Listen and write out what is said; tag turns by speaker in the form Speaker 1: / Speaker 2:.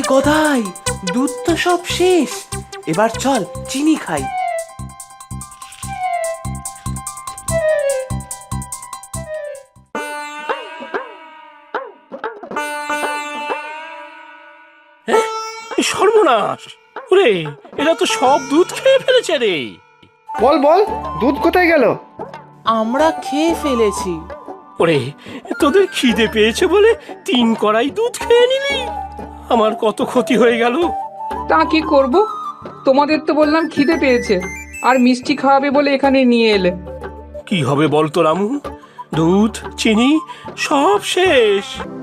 Speaker 1: গদাই, দুধ তো সব শেষ, এবার চল চিনি খাই।
Speaker 2: সর্বনাশ! ওরে, এরা তো সব দুধ খেয়ে ফেলেছে রে।
Speaker 3: বল বল, দুধ কোথায় গেল?
Speaker 1: আমরা খেয়ে ফেলেছি।
Speaker 2: ওরে, তোদের খিদে পেয়েছে বলে 3 কড়াই দুধ খেয়ে নিলি। আমার কত ক্ষতি হয়ে গেল।
Speaker 4: তা কি করব? তোমাদের তো বললাম খিদে পেয়েছে, আর মিষ্টি খাওয়াবে বলে এখানে নিয়ে এলে।
Speaker 2: কি হবে বলতো রামু? দুধ, চিনি সব শেষ।